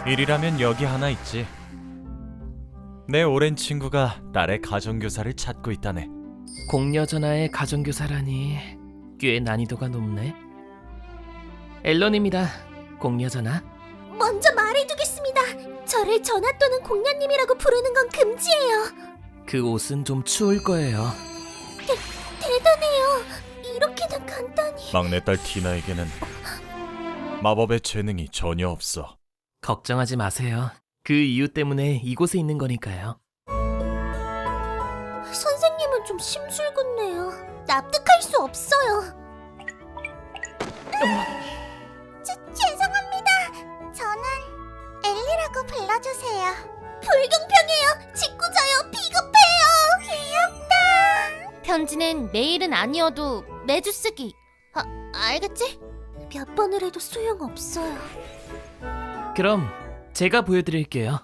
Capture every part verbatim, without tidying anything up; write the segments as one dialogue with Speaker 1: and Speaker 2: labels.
Speaker 1: 일이라면 여기 하나 있지. 내 오랜 친구가 딸의 가정교사를 찾고 있다네.
Speaker 2: 공여전화의 가정교사라니 꽤 난이도가 높네. 앨런입니다. 공여전화.
Speaker 3: 먼저 말해두겠습니다. 저를 전화 또는 공녀님이라고 부르는 건 금지예요.
Speaker 2: 그 옷은 좀 추울 거예요.
Speaker 3: 대단해요. 이렇게나 간단히.
Speaker 1: 막내딸 티나에게는 마법의 재능이 전혀 없어.
Speaker 2: 걱정하지 마세요. 그 이유 때문에 이곳에 있는 거니까요.
Speaker 3: 선생님은 좀 심술궂네요. 납득할 수 없어요. 죄, 죄송합니다. 저는 엘리라고 불러주세요. 불공평해요. 짓궂어요. 비겁해요. 귀엽다. 편지는 매일은 아니어도 매주 쓰기. 아, 알겠지? 몇 번을 해도 소용없어요.
Speaker 2: 그럼 제가 보여드릴게요.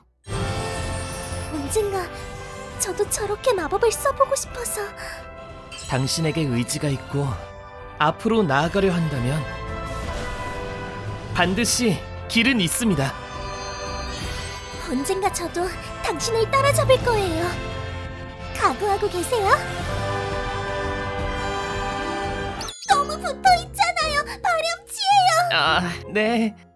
Speaker 3: 언젠가 저도 저렇게 마법을 써보고 싶어서.
Speaker 2: 당신에게 의지가 있고 앞으로 나아가려 한다면 반드시 길은 있습니다.
Speaker 3: 언젠가 저도 당신을 따라잡을 거예요. 각오하고 계세요? 너무 붙어 있잖아요. 발염치예요.
Speaker 2: 아, 네.